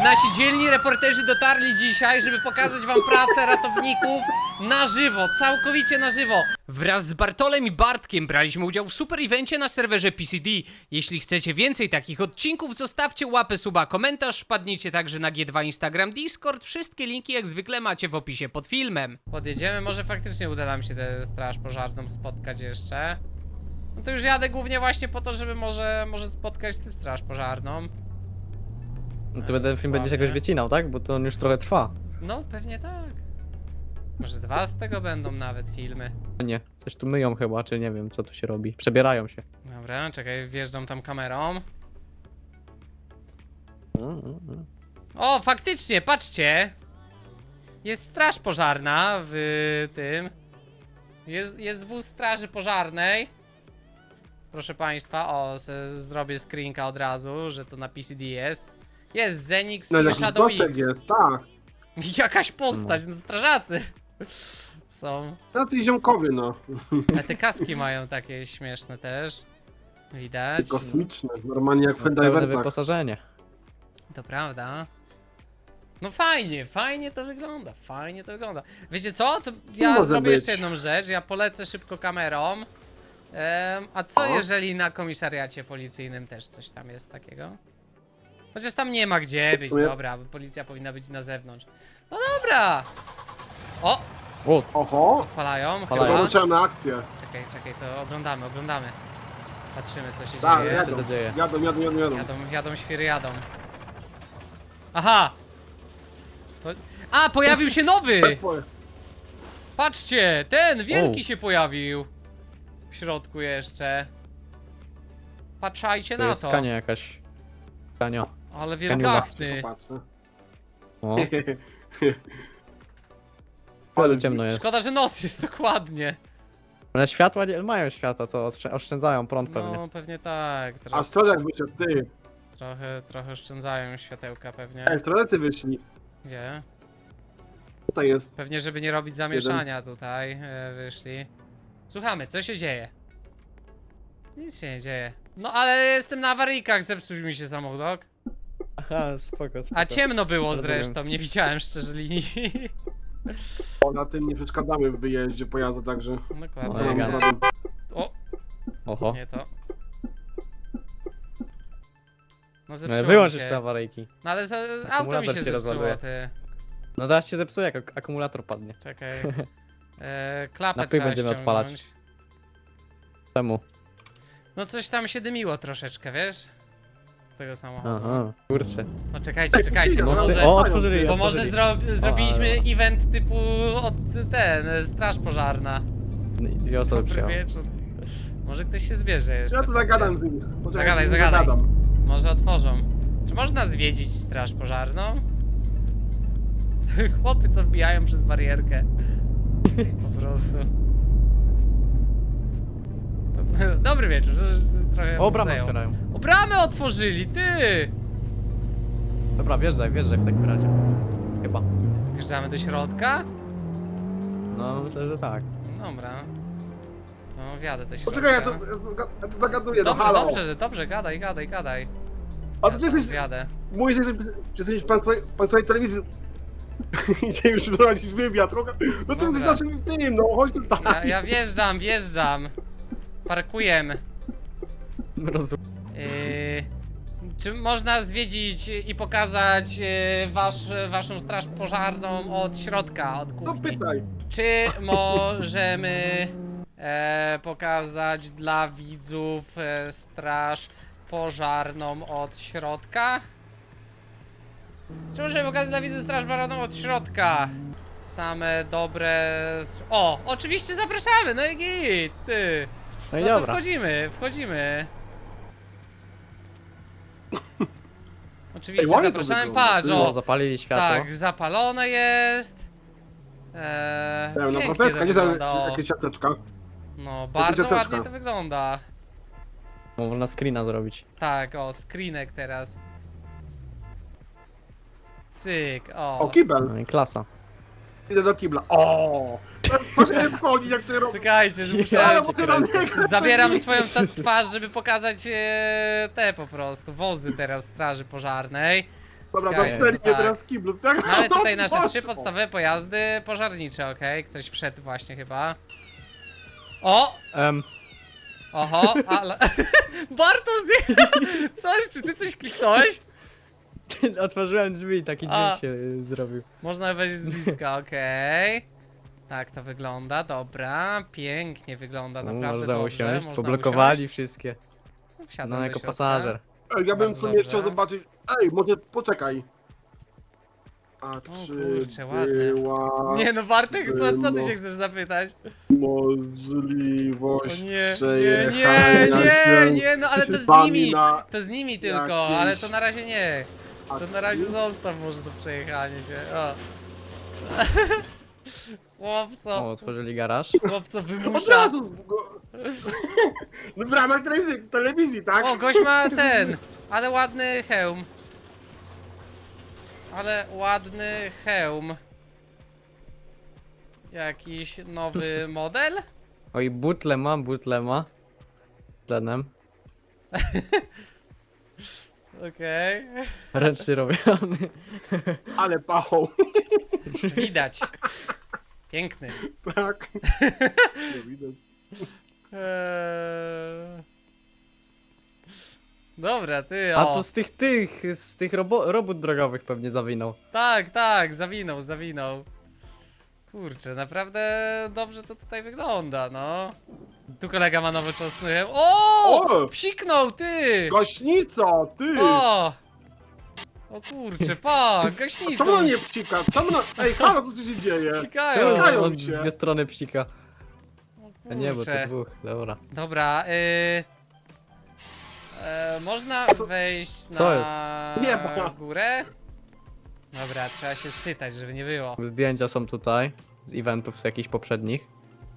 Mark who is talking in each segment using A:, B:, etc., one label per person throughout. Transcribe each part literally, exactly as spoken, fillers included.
A: Nasi dzielni reporterzy dotarli dzisiaj, żeby pokazać wam pracę ratowników na żywo, całkowicie na żywo. Wraz z Bartolem i Bartkiem braliśmy udział w super evencie na serwerze P C D. Jeśli chcecie więcej takich odcinków, zostawcie łapę, suba, komentarz, wpadnijcie także na G dwa, Instagram, Discord. Wszystkie linki jak zwykle macie w opisie pod filmem. Podjedziemy, może faktycznie uda nam się tę straż pożarną spotkać jeszcze. No to już jadę głównie właśnie po to, żeby może, może spotkać tę straż pożarną.
B: No to będę film będziesz jakoś wycinał, tak? Bo to on już trochę trwa.
A: No, pewnie tak. Może dwa z tego będą nawet filmy.
B: Nie, coś tu myją chyba, czy nie wiem co tu się robi. Przebierają się.
A: Dobra, czekaj, wjeżdżam tam kamerą.
B: Mm, mm, mm.
A: O, faktycznie, patrzcie! Jest straż pożarna w tym. Jest, jest wóz straży pożarnej. Proszę państwa, o, se, zrobię screenka od razu, że to na P C D jest. Jest Zenix
C: No
A: i
C: jakiś
A: Shadow
C: postek
A: X.
C: jest, tak.
A: Jakaś postać, no strażacy są.
C: Tacy ziomkowie, no.
A: A te kaski mają takie śmieszne też. Widać.
C: Kosmiczne, normalnie jak w
B: Pełne
C: Fendiversach.
B: wyposażenie.
A: To prawda. No fajnie, fajnie to wygląda, fajnie to wygląda. Wiecie co? To ja
C: może
A: zrobię
C: być.
A: jeszcze jedną rzecz, ja polecę szybko kamerą. Em, a co
C: O.
A: jeżeli na komisariacie policyjnym też coś tam jest takiego? Chociaż tam nie ma gdzie być,
C: sumie-
A: dobra, bo policja powinna być na zewnątrz. No dobra! O!
B: O,
C: Oho,
A: Odpalają,
B: Odpalają.
A: chyba.
C: poruszałem na akcję.
A: Czekaj, czekaj, to oglądamy, oglądamy. Patrzymy co się
C: Tak,
A: dzieje.
B: ja-
C: jadą,
B: się zadzieje?
C: jadą, jadą, jadą, jadą.
A: Jadą, jadą, świry jadą. Aha! To... A, pojawił się nowy! Patrzcie, ten wielki
B: O.
A: się pojawił. W środku jeszcze. Patrzajcie
B: to
A: na
B: jest
A: to.
B: skania jakaś. Skania.
A: Ale
B: skaniula.
A: wielgachny.
C: Popatrzę.
B: O, ale ciemno jest.
A: Szkoda, że noc jest dokładnie.
B: Ale światła nie mają światła, co oszczę- oszczędzają prąd pewnie.
A: No, pewnie tak.
C: A
A: Tro
C: strzelek wyszedł, ty.
A: trochę, trochę oszczędzają światełka pewnie.
C: Ej, strzelcy wyszli.
A: Gdzie?
C: Tutaj jest.
A: Pewnie, żeby nie robić zamieszania tutaj, e, wyszli. Słuchamy, co się dzieje? Nic się nie dzieje. No ale jestem na awaryjkach, zepsuł mi się samochód.
B: Aha, spoko, spoko.
A: A ciemno było
B: Rozumiem.
A: zresztą, nie widziałem szczerze linii.
C: O, na tym nie przeszkadzamy w wyjeździe pojazdu, także.
A: Dokładnie.
B: No,
C: To nam
B: elegancko.
C: radę.
A: O,
B: Oho.
A: nie to. No
B: No,
A: zepsuło mi
B: wyłączysz
A: się.
B: te awaryjki.
A: No ale za, auto mi
B: Akumulator
A: się
B: się
A: zepsuło,
B: rozładuje.
A: ty.
B: No zaraz się zepsuje, jak ak- akumulator padnie.
A: Czekaj. E, klapę
B: Na pył
A: trzeba
B: będziemy
A: ściągnąć.
B: odpalać. Czemu?
A: No coś tam się dymiło troszeczkę, wiesz? Z tego samochodu.
B: Aha, kurczę.
A: No czekajcie, czekajcie, bo
C: No,
A: może...
B: O, otworzyli,
A: Bo może
B: otworzyli.
A: zro zrobiliśmy
B: ale-
A: event typu od ten, straż pożarna.
B: Dwie osoby
A: Dobry
B: przyjechały.
A: wieczór. Może ktoś się zbierze jeszcze.
C: Ja to zagadam z nimi. Poczekaj,
A: Zagadaj,
C: z nimi
A: zagadaj.
C: zagadam.
A: Może otworzą. Czy można zwiedzić straż pożarną? Chłopy co wbijają przez barierkę. Po prostu. To- Dobry wieczór. Trochę
B: O, bramę
A: zajął.
B: otwierają.
A: O, bramę otworzyli, ty!
B: Dobra, wjeżdżaj, wjeżdżaj w takim razie. Chyba.
A: Wjeżdżamy do środka?
B: No, myślę, że tak.
A: Dobra. No, wjadę do środka.
C: Poczekaj, ja to, ja to zagaduję, no
A: Dobrze,
C: halo.
A: dobrze, dobrze, gadaj, gadaj, gadaj.
C: A to ty jesteś,
A: Wjadę.
C: mówisz, że że jesteś pan, twojej- pan swojej telewizji. Idzie już prowadzić wywiad, trochę. No to
A: Dobra.
C: jesteś naszym tym, no chodź tutaj.
A: Ja, ja wjeżdżam, wjeżdżam. Parkujemy.
B: Rozumiem.
A: Yy, czy można zwiedzić i pokazać yy, wasz, waszą straż pożarną od środka, od
C: No
A: kuchni?
C: pytaj.
A: Czy możemy e, pokazać dla widzów e, straż pożarną od środka? Czy możemy pokazać dla widzów straż pożarną od środka? Same dobre... s- O, oczywiście zapraszamy, no i git, ty.
B: No i
A: No to
B: dobra.
A: wchodzimy, wchodzimy. Oczywiście
C: Ej, ładnie to
A: zapraszamy,
C: wygląda.
A: patrz,
B: O,
A: o,
B: zapalili światło.
A: tak, zapalone jest. Eee,
C: No
A: pięknie
C: profeska,
A: to
C: nie za
A: wygląda, o.
C: jakieś siateczka.
A: No, bardzo
C: ciasteczka.
A: ładnie to wygląda.
B: Można screena zrobić.
A: Tak, o, screenek teraz. Cyk, o.
C: O, kibel.
B: No i klasa.
C: Idę do kibla. O! Proszę nie wchodzić, jak to robię.
A: Czekajcie, że
C: Ale
A: muszę...
C: mogę na niego
A: Zabieram swoją ta- twarz, żeby pokazać e, te po prostu, wozy teraz straży pożarnej.
C: Dobra,
A: Czekaj,
C: to cztery,
A: to tak.
C: teraz kiblu, tak?
A: Mamy
C: No,
A: tutaj nasze
C: patrz.
A: trzy podstawowe pojazdy pożarnicze, okej? Ktoś wszedł właśnie chyba. O!
B: Em,
A: Oho, ale... Bartosz, coś, czy ty coś kliknąłeś?
B: otworzyłem drzwi i taki
A: A.
B: dźwięk się y, zrobił.
A: Można wejść z bliska, okej. Tak to wygląda, dobra. Pięknie wygląda,
B: No,
A: naprawdę
B: można
A: dobrze.
B: usiąść,
A: Można
B: poblokowali wszystkie.
A: usiąść. Wsiadam
B: No
A: do
B: jako
A: środka.
B: pasażer.
C: Ej, ja bym w
A: Bardzo
C: sumie
A: dobrze.
C: chciał zobaczyć... Ej, może poczekaj. A czy
A: kurczę, ładne.
C: była
A: Nie no, Bartek, co, co ty
C: No.
A: się chcesz zapytać?
C: możliwość
A: O nie, nie,
C: przejechania
A: nie, nie,
C: się
A: nie, no ale to z
C: z wami
A: nimi,
C: na...
A: to z nimi tylko,
C: jakieś
A: ale to na razie nie. To na razie
C: akcji?
A: zostaw może to przejechanie się, o.
B: O,
A: Chłopco,
B: otworzyli garaż.
A: chłopco
C: Od
A: wymusza.
C: razu z- go... No w ramach telewizji, telewizji, tak?
A: O, gość ma ten, ale ładny hełm. Ale ładny hełm. Jakiś nowy model?
B: Oj, butle ma, butle ma. Tlenem.
A: Okej.
B: Ręcznie robiony.
C: Ale pachą,
A: Widać. Piękny.
C: tak? Nie widać.
A: Eee... Dobra, ty,
B: A
A: o.
B: to z tych tych, z tych robo robót drogowych pewnie zawinął.
A: Tak, tak, zawinął, zawinął. Kurczę, naprawdę dobrze to tutaj wygląda, no. Tu kolega ma nowoczesny hełm. O!
C: O!
A: Psiknął, ty!
C: Gaśnica, ty!
A: O! O kurczę, pa,
C: Co
A: gaśnicą.
C: mną nie psika? Co mną... Ej, halo, co tu się dzieje?
A: Psikają.
C: Psikają
B: On
C: się.
B: dwie strony psika.
A: O
B: A nie, bo to
A: kurczę.
B: dwóch, dobra.
A: Dobra, y... E, można wejść na
B: Co jest?
C: Nie ma.
A: górę? Dobra, trzeba się spytać, żeby nie było.
B: Zdjęcia są tutaj, z eventów z jakichś poprzednich.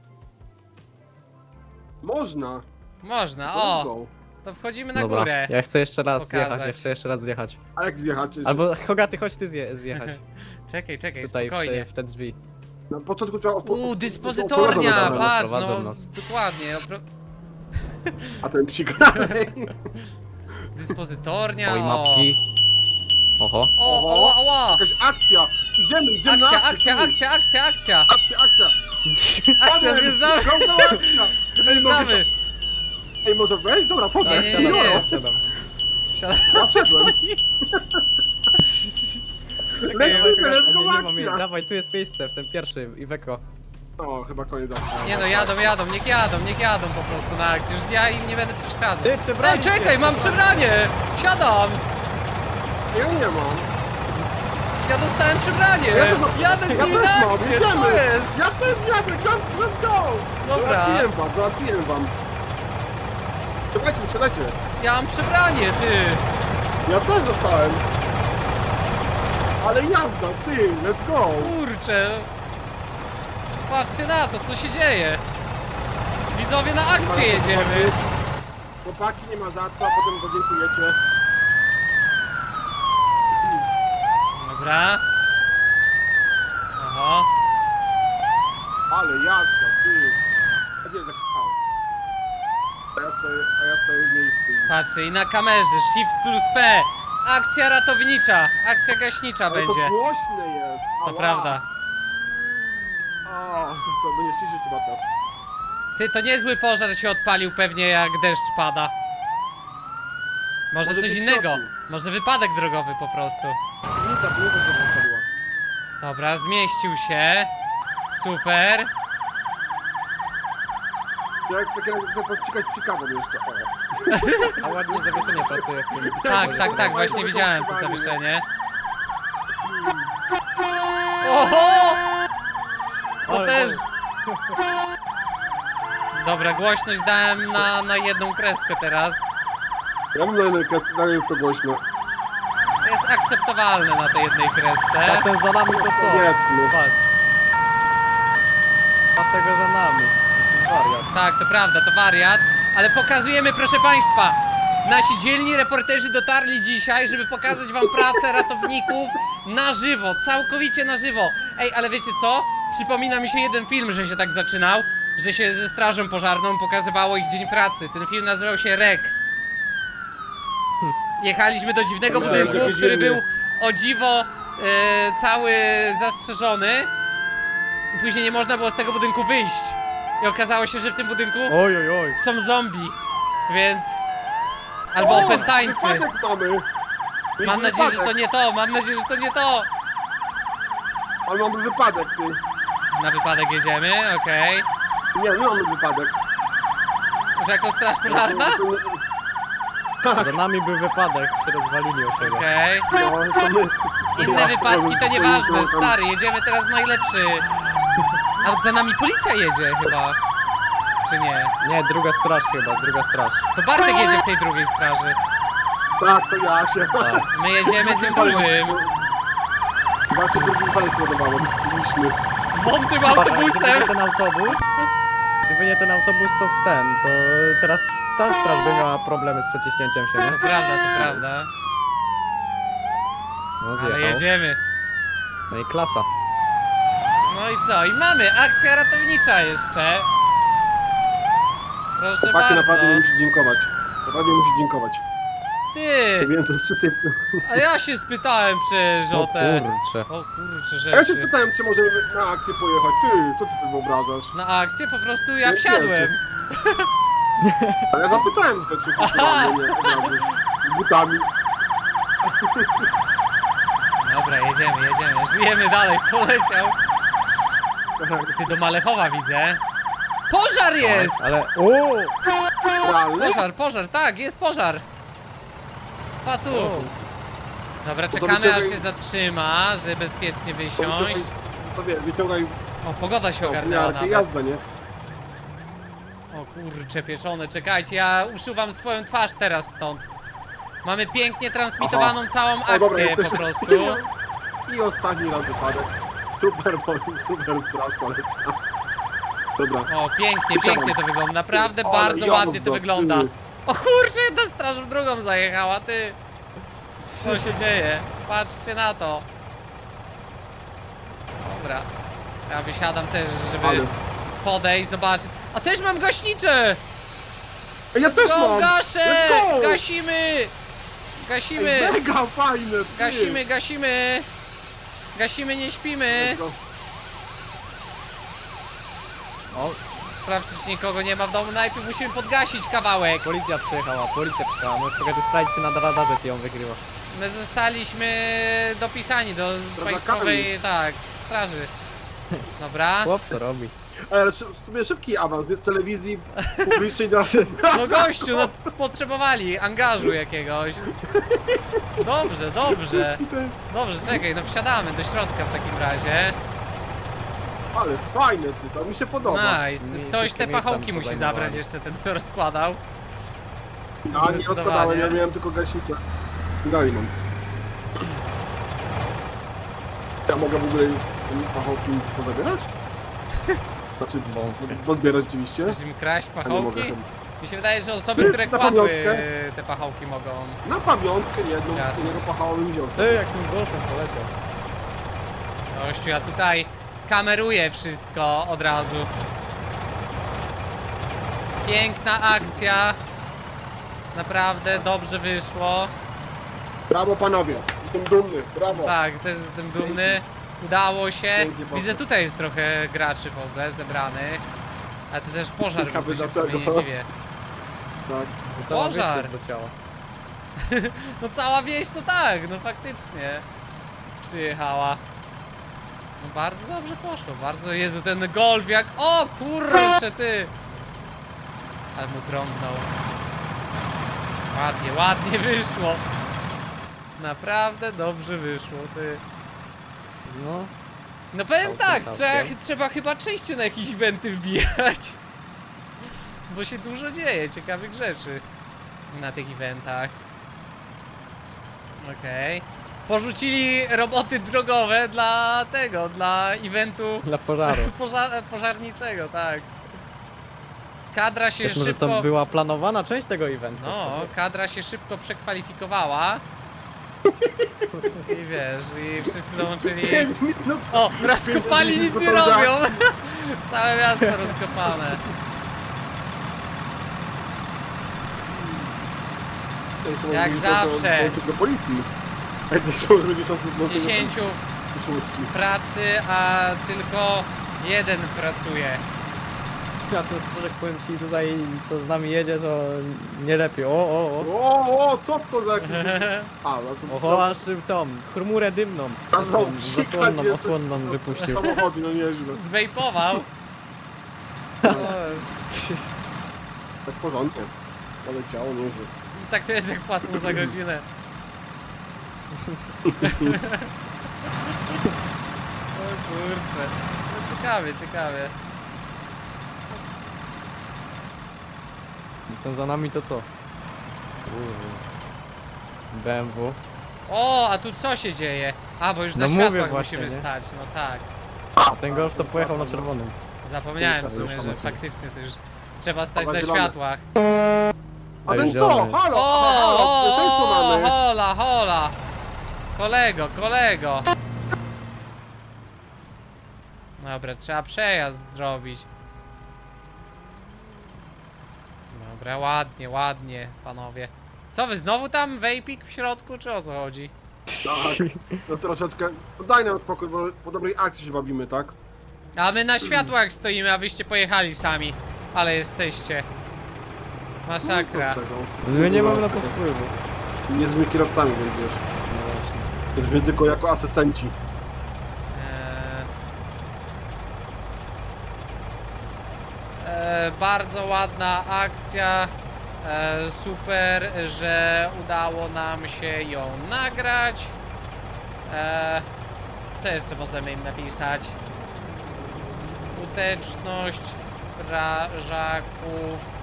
C: Można.
A: Można,
C: To
A: o!
C: go.
A: To wchodzimy na
B: Dobra,
A: górę.
B: ja chcę jeszcze raz
A: Pokazać.
B: zjechać, ja chcę jeszcze raz zjechać.
C: A jak zjechać?
B: Albo Hogaty, chodź ty zje zjechać.
A: Czekaj, czekaj,
B: Tutaj w
A: spokojnie.
B: te, w te drzwi.
C: Na początku trzeba... odpo-
A: Uuu,
C: odprowadzą
A: dyspozytornia,
C: nas,
B: dobra,
A: patrz,
B: prowadzą
A: no,
B: nas.
A: dokładnie. Opro...
C: A ten psika.
A: Dyspozytornia,
B: Oj,
A: o.
B: mapki. Oho.
A: O,
C: Oho.
A: oła, oła.
C: Jakaś akcja. Idziemy, idziemy
A: Akcja,
C: na akcję.
A: akcja,
C: ty.
A: akcja, akcja, akcja.
C: Akcja, akcja.
A: Akcja,
C: Panem,
A: zjeżdżamy,
C: go, go, akcja.
A: zjeżdżamy.
C: Ej, może wejść? Dobra, wchodzę.
A: Nie, nie, nie, nie.
C: Jolo.
B: Siadam.
A: Wsiadam.
C: Ja wszedłem.
A: Czekaj,
C: Lecimy, let's
B: Nie,
C: go,
B: nie ma miejsca.
C: akcja.
B: Dawaj, tu jest miejsce, w ten pierwszy, Iweko.
C: O, chyba koniec akcji.
A: Nie no, jadą, jadą, niech jadą, niech jadą po prostu na akcję. Już ja im nie będę przeszkadzał.
B: Ty, przebranie
A: Ej, czekaj,
B: się,
A: mam przebranie! Siadam!
C: Ja nie mam.
A: Ja dostałem przebranie!
C: Ja też mam.
A: Jadę z
C: Ja
A: nimi
C: też
A: na
C: mam,
A: akcję,
C: jedziemy.
A: co jest?
C: Ja też jadę, let's let's go.
A: Dobra.
C: Załatwiłem wam, załatwiłem wam. Siadajcie, siadajcie.
A: Ja mam przebranie, ty!
C: Ja też dostałem. Ale jazda, ty, let's go.
A: Kurczę! Patrzcie na to, co się dzieje! Widzowie, na akcję jedziemy!
C: Chłopaki, nie ma za co, a potem podziękujecie.
A: Dobra. Oho.
C: Ale jazda, ty. A gdzie jest taki hał? A ja stoję, a ja stoję w miejscu. i-
A: Patrzcie, i na kamerze, Shift plus P! Akcja ratownicza, akcja gaśnicza
C: Ale
A: będzie.
C: to głośne jest.
A: To
C: Ała.
A: prawda.
C: O, to będzie ściszyć chyba to.
A: Ty, to niezły pożar się odpalił pewnie jak deszcz pada. Może
C: Może
A: coś
C: być w
A: innego.
C: środku.
A: Może wypadek drogowy po prostu.
C: Piwnica, piwnica się wypaliła.
A: Dobra, zmieścił się. Super.
C: Ja jak takie chcę podcikać psikawą jeszcze. O.
B: A ładnie zawieszenie pracuje w tym.
A: Tak, tak, tak, właśnie widziałem to zawieszenie. Oho! To
B: Ale
A: też. Dobra, głośność dałem na, na jedną kreskę teraz.
C: Ja mam na jednej kwestii, ale jest to głośno.
A: To jest akceptowalne na tej jednej
B: A
A: kresce.
B: ten za nami to co?
C: Powiedzmy.
B: Patrz. A tego za nami. Wariat.
A: Tak, to prawda, to wariat. Ale pokazujemy, proszę państwa. Nasi dzielni reporterzy dotarli dzisiaj, żeby pokazać wam pracę ratowników na żywo, całkowicie na żywo. Ej, ale wiecie co? Przypomina mi się jeden film, że się tak zaczynał, że się ze strażą pożarną pokazywało ich dzień pracy. Ten film nazywał się R E K. Jechaliśmy do dziwnego
C: Tak,
A: budynku,
C: jakieś
A: który
C: ziemie.
A: był o dziwo, e, cały zastrzeżony. I później nie można było z tego budynku wyjść. I okazało się, że w tym budynku
B: Oj, oj, oj.
A: są zombie, więc... Albo
C: O,
A: opętańcy.
C: wypadek mamy.
A: Mam
C: Mieliśmy
A: nadzieję, że to
C: wypadek.
A: nie to, mam nadzieję, że to nie to.
C: Ale mamy wypadek, ty.
A: Na wypadek jedziemy, okej.
C: Nie, nie mamy wypadek.
A: Że jako straż pożarna?
C: Tak,
B: Za nami był wypadek, się rozwalili o siebie.
A: Okej.
C: no, to my...
A: Inne
C: Ja,
A: wypadki to
C: ja,
A: nieważne,
C: ja,
A: stary, jedziemy teraz najlepszy. A za nami policja jedzie chyba. Czy nie?
B: Nie, druga straż chyba, druga straż.
A: To Bartek jedzie w tej drugiej straży.
C: Tak, to ja się.
B: Tak.
A: My jedziemy tym dużym.
C: Znaczy, drugim panie spodobało. Mieliśmy.
A: Wątym
B: Gdyby
A: autobusem.
B: nie ten autobus, gdyby nie ten autobus, to w ten, to teraz ta straż by miała problemy z przeciśnięciem się,
A: To
B: nie?
A: prawda, to prawda.
B: No
A: Ale
B: zjechał.
A: jedziemy.
B: No i klasa.
A: No i co? I mamy akcja ratownicza jeszcze. Proszę
C: Chłopaki naprawdę mi
A: bardzo.
C: musi dziękować. Naprawdę mi musi dziękować.
A: Ty!
C: Wiem, to z czystej...
A: A ja się spytałem przecież
B: O
A: o te...
B: kurcze.
A: O kurczę
C: A ja się
A: rzeczy.
C: spytałem, czy możemy na akcję pojechać. Ty, co ty sobie wyobrażasz?
A: Na akcję po prostu ja
C: Nie
A: wsiadłem.
C: Ale ja zapytałem, czy czy
A: Aha.
C: nie, od razu. Z butami.
A: Dobra, jedziemy, jedziemy. Żyjemy dalej, poleciał. Ty do Malechowa widzę. Pożar jest!
B: Ale, o!
C: Realny?
A: Pożar, pożar, tak, jest pożar. Patu. Dobra,
C: to
A: czekamy aż
C: wyciągaj-
A: się zatrzyma, żeby bezpiecznie
C: To
A: wysiąść.
C: wyciągaj, to wie, wyciągaj
A: O, pogoda się ogarnęła
C: opiniarkę
A: nawet.
C: jazda, nie?
A: O kurcze pieczone, czekajcie, ja uszuwam swoją twarz teraz stąd. Mamy pięknie transmitowaną całą
C: O, dobra,
A: akcję po
C: jesteśmy.
A: prostu.
C: I ostatni raz wypadek. Super, bo- super straż poleca. Dobra.
A: O, pięknie, pięknie to wygląda, naprawdę
C: Ale
A: bardzo
C: jazda,
A: ładnie to wygląda.
C: ty.
A: O kurczę, jedna straż w drugą zajechała, ty. Co się dzieje? Patrzcie na to. Dobra. Ja wysiadam też, żeby
C: Ale...
A: podejść, zobaczyć. A też mam gaśnicę!
C: Ej, ja też
A: Go,
C: mam!
A: gaszę!
C: Let's go!
A: Gasimy! Gasimy!
C: Ej, mega fajne! ty.
A: Gasimy, gasimy! Gasimy, nie śpimy!
C: Let's go.
B: O,
A: Sprawdź, czy nikogo nie ma w domu. Najpierw musimy podgasić kawałek.
B: policja przyjechała, policja przyjechała. Możesz trochę sprawdzić, czy na radarze ci ją wykryło.
A: My zostaliśmy dopisani do państwowej, tak, straży. Dobra.
B: Chłop, co robi?
C: Ej, ale szy- w sumie szybki awans, nie z telewizji publicznej na...
A: No gościu, no potrzebowali angażu jakiegoś. Dobrze, dobrze. Dobrze, czekaj, no wsiadamy do środka w takim razie.
C: Ale fajne ty, to mi się podoba.
A: Nice.
B: Mi
A: Ktoś
B: wszystkie
A: te
B: miejsca
A: pachołki
B: mi
A: musi
B: pozajmowali.
A: zabrać jeszcze, ten kto rozkładał.
C: Ja nie
A: Zdecydowanie.
C: rozkładałem, ja miałem tylko gaśnicę. Dalej mam. Ja mogę w ogóle pachołki pozabierać? Znaczy, bo, bo zbierać oczywiście.
A: Chcesz im kraść
C: A nie mogę
A: pachołki?
C: chyba.
A: Mi się wydaje, że osoby, które
C: Na
A: kładły
C: pamiątkę.
A: te pachołki mogą.
C: Na pamiątkę jedną,
A: Zgarnąć.
C: jednego pachołem wziął.
B: Ty, jak tym golfem poleciał.
A: Gościu, ja tutaj kameruję wszystko od razu. Piękna akcja. Naprawdę dobrze wyszło.
C: Brawo panowie, jestem dumny, brawo.
A: Tak, też jestem dumny. Udało się.
C: Pięknie poszło.
A: Widzę, tutaj jest trochę graczy w ogóle zebranych. A to też pożar
C: Ciekawy
A: byłby, się w sumie nie
C: dlaczego.
A: dziwię.
C: Tak.
B: Cała
A: Pożar.
B: wieś się zleciała.
A: No cała wieś to tak, no faktycznie przyjechała. No bardzo dobrze poszło, bardzo, Jezu, ten golf jak, o kurczę ty! Ale mu trąbnął. Ładnie, ładnie wyszło. Naprawdę dobrze wyszło, ty.
B: No,
A: No powiem
B: Całkiem,
A: tak,
B: całkiem.
A: trzeba, trzeba chyba częściej na jakieś eventy wbijać. Bo się dużo dzieje, ciekawych rzeczy na tych eventach. Okej. Porzucili roboty drogowe dla tego, dla eventu
B: dla pożaru.
A: poża pożarniczego, tak. Kadra się
B: Wiesz, może
A: szybko...
B: to była planowana część tego eventu.
A: No, kadra się szybko przekwalifikowała. I wiesz, i wszyscy dołączyli...
C: pięć minut.
A: O, rozkopali, nic nie robią! Całe miasto rozkopane.
C: Ej, trzeba
A: Jak
C: było
A: zawsze.
C: dołączyć do policji. Ej, to są rodziczący
A: dziesięciu pracy, a tylko jeden pracuje.
B: Ja ten stróżek, powiem ci, tutaj co z nami jedzie, to nie lepiej. O, o, o.
C: O, o, co to za jakiś... A, no to...
B: Oho, aż tą chmurę dymną.
C: A znowu
B: Tą
C: psika
B: Zasłonną,
C: nie-
B: osłonną
C: to-
B: wypuścił.
C: Samochody, no nieźle.
A: Zwejpował. Co jest?
C: Tak porządnie. Poleciało, nieźle.
A: Tak to jest jak płacą za godzinę. O kurczę. No ciekawie, ciekawie.
B: I to za nami to co? Kurde. B M W.
A: O, a tu co się dzieje? A, bo już na
B: No mówię
A: światłach
B: właśnie,
A: musimy
B: nie?
A: stać, no tak.
B: A ten golf to pojechał na czerwonym.
A: Zapomniałem w sumie,
C: Już
A: że
C: tam
A: faktycznie to już trzeba stać
C: Dobra,
A: na
C: zielony.
A: światłach.
C: A ten
B: Ej,
C: co?
B: zielony.
C: Halo,
A: O,
C: halo,
A: o,
C: pierwszeństwo
A: o,
C: mamy.
A: hola, hola. Kolego, kolego. Dobra, trzeba przejazd zrobić. Dobra, ładnie, ładnie, panowie. Co wy, znowu tam wejpik w środku, czy o co chodzi?
C: Tak, no troszeczkę. No daj nam spokój, bo po dobrej akcji się bawimy, tak?
A: A my na światłach stoimy, a wyście pojechali sami. Ale jesteście. Masakra.
C: No, co z tego?
B: My nie mamy na to wpływu.
C: Nie jesteśmy kierowcami, więc wiesz. Jesteśmy tylko jako asystenci.
A: Eee, e, bardzo ładna akcja. E, super, że udało nam się ją nagrać. E, co jeszcze możemy im napisać? Skuteczność strażaków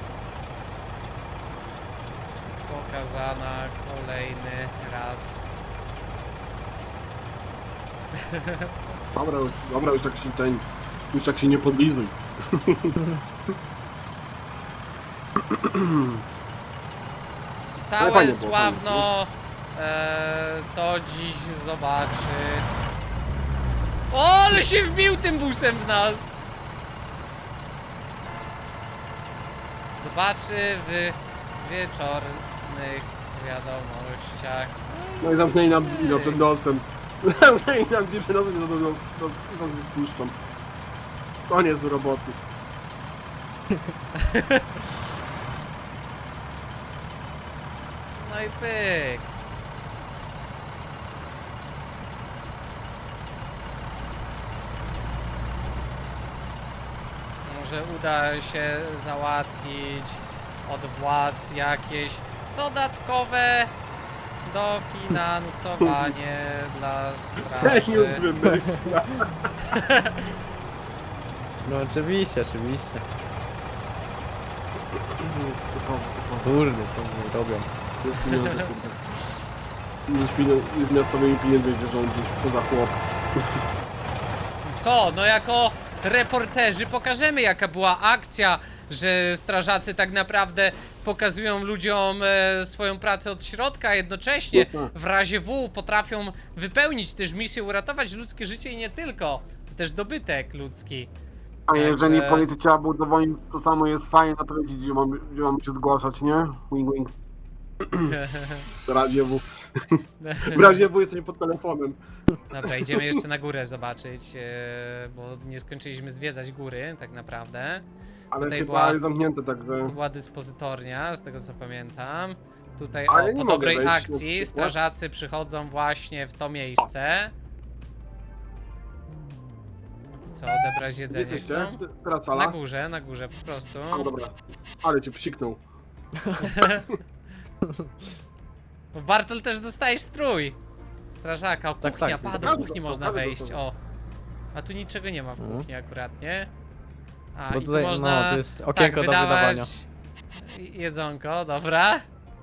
A: pokazana kolejny raz.
C: Dobra, już, dobra, już tak się ten. Już tak się nie podlizuj.
A: Całe
C: fajnie było,
A: Sławno e, to dziś zobaczy. O, ale się wbił tym busem w nas! Zobaczy w wieczornych wiadomościach.
C: No i zamknęli nam drzwi no, przed nosem. Zamknęli nam drzwi przed nosem i za nos puszczą. Koniec roboty.
A: No i pyk. Może uda się załatwić od władz jakieś dodatkowe dofinansowanie dla
C: Już
A: straży.
C: wymyśla.
B: No oczywiście, oczywiście. Kurde, co oni robią?
C: Jest pieniądze, kurde. Już pieniądze, już miastowymi pieniędzmi nie rządzi. Co za chłop.
A: Co? No jako reporterzy pokażemy jaka była akcja, że strażacy tak naprawdę pokazują ludziom e, swoją pracę od środka, a jednocześnie
C: No tak.
A: w razie W potrafią wypełnić też misję, uratować ludzkie życie i nie tylko, też dobytek ludzki.
C: A jeżeli
A: Także-
C: policja chciała by udowodnić, to samo jest fajne, to wiecie, gdzie mamy, gdzie mamy się zgłaszać, nie? Wing wing. W razie W. W razie W jesteśmy pod telefonem.
A: Dobra, idziemy jeszcze na górę zobaczyć, e, bo nie skończyliśmy zwiedzać góry tak naprawdę.
C: Ale
A: Tutaj
C: chyba
A: była-
C: jest zamknięte, także...
A: Tu była dyspozytornia, z tego co pamiętam. Tutaj
C: Ale
A: o,
C: nie
A: po
C: mogę
A: dobrej
C: wejść na
A: akcji
C: przykład.
A: strażacy przychodzą właśnie w to miejsce. No to co, odebrać
C: Gdzie
A: jedzenie
C: jesteście?
A: chcą?
C: Teraz
A: Na
C: sala?
A: górze, na górze po prostu.
C: O, dobra. Ale cię psiknął.
A: Bo Bartol też dostaje strój. Strażaka, o
B: Tak,
A: kuchnia,
B: tak.
A: pa, do
C: Każdy
A: kuchni
C: dostał,
A: można
C: każdy
A: wejść,
C: dostał.
A: o. A tu niczego nie ma w
B: Mhm.
A: kuchni akurat, nie? A,
B: Bo
A: i
B: tutaj,
A: tu można
B: no, to jest okienko
A: tak,
B: do
A: wydawać
B: wydawania.
A: jedzonko, dobra.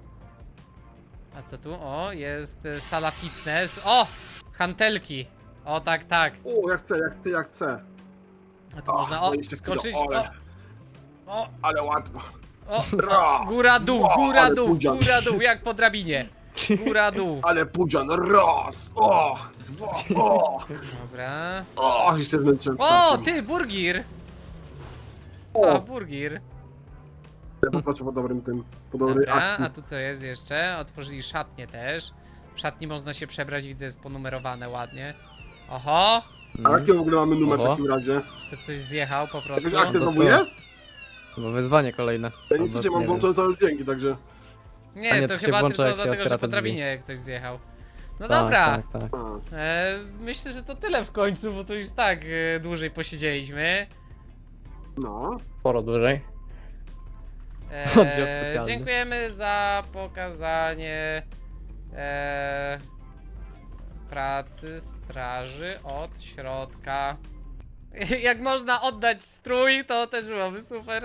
A: A co tu? O, jest y, sala fitness. O! Hantelki. O, tak, tak.
C: O, jak chcę, jak chcę, jak chcę.
A: A tu
C: O,
A: można, o,
C: dwadzieścia kilo,
A: skoczyć. O,
C: ale-
A: o,
C: Ale łatwo.
A: o,
C: Raz,
A: góra, dół,
C: dwa,
A: góra,
C: ale
A: dół,
C: pudzian.
A: góra, dół, jak po drabinie. Góra, dół.
C: Ale pudzian, raz, o, dwa, o,
A: Dobra.
C: o, jeszcze wnętrzem.
A: O, ty, burgir! O,
C: O,
A: burgir.
C: ja popatrzę po dobrym tym, po dobrej
A: Dobra,
C: akcji.
A: a tu co jest jeszcze? Otworzyli szatnię też. W szatni można się przebrać, widzę, jest ponumerowane ładnie. Oho!
C: A jaki w ogóle mamy numer w
B: Oho.
C: takim razie?
A: Czy to ktoś zjechał po prostu?
C: Jakaś akcja
B: to
C: znowu
B: to.
C: jest?
B: Chyba wyzwanie kolejne.
C: Ja
B: Albo
C: niestety mam
B: nie wiem.
C: włączone całe dźwięki, także...
B: A
A: Nie,
B: nie,
A: to
B: to się
A: chyba
B: włącza,
A: tylko
B: jak się
A: dlatego, że
B: otwiera
A: po
B: te drzwi.
A: drabinie ktoś zjechał. No
B: Tak,
A: dobra,
B: Tak, tak.
C: A.
A: e, myślę, że to tyle w końcu, bo to już tak e, dłużej posiedzieliśmy.
C: No.
B: Sporo dłużej.
A: E,
B: Oddział specjalny.
A: dziękujemy za pokazanie e, pracy straży od środka. Jak można oddać strój, to też byłoby super.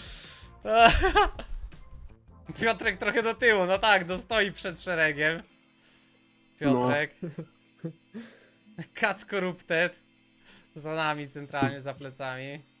A: Piotrek trochę do tyłu, no tak, no stoi przed szeregiem. Piotrek. Kac Corrupted. Za nami centralnie, za plecami.